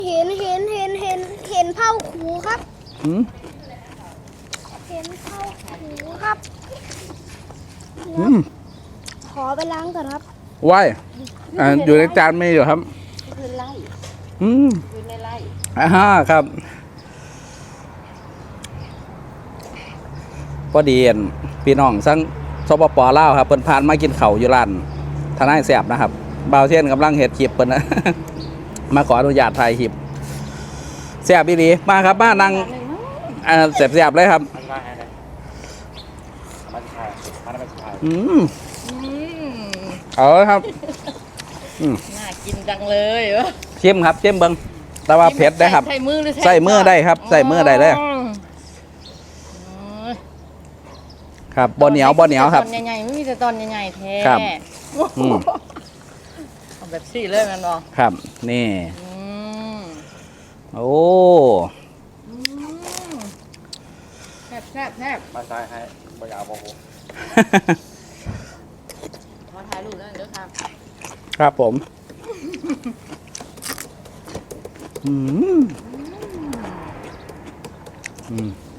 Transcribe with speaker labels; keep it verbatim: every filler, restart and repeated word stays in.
Speaker 1: เห็นเห็นเห็นเห็นเห็นเผาขูครับ
Speaker 2: อืม
Speaker 1: เห็นเผาขูครับ
Speaker 2: อืม
Speaker 1: ขอไปล้างก่อนครับ
Speaker 2: ว่ายอ่าอยู่ในจานไม่อยู่ครับ
Speaker 3: คือไล่
Speaker 2: อืม
Speaker 3: คือในไล่
Speaker 2: อ่าฮะครับพอดีเห็นพี่น้องทั้งสปปลาวครับเปิ่นผ่านมากินเข่าวอยู่ร้านทนายแสบนะครับบ่าวเทียนกำลังเห็ดคลิปเปิ่นนะ มาขออนุญาตถ่ายคลิปแสบอีหลีมาครับมานั่งอ่าแสบๆเลยครับอืมเอาเลยครับอืม
Speaker 3: น่ากินจังเลยเหรอ
Speaker 2: ชิมครับชิมเบิ้งแต่ว่าเผ็ดได้ครับ
Speaker 3: ใส่มือหรือ
Speaker 2: ใส่มือได้ครับใส่มือได้เลย ครับบ่เหนียวบ่เหนียวครับ
Speaker 3: ตอนใหญ่ๆไม่มีแต่ตอนใหญ่ๆแท้
Speaker 2: ครับอืม
Speaker 3: เอาแบบสี่เลยมันบอก
Speaker 2: ครับ นี่
Speaker 3: อืม
Speaker 2: โอ้
Speaker 3: อืมแซ่บแซ่บแซ่บ
Speaker 4: มาซ้ายให้บอยาวบอก
Speaker 3: ขอถ่ายรูปแล้วเด้อครับ
Speaker 2: ครับผมอืมอืม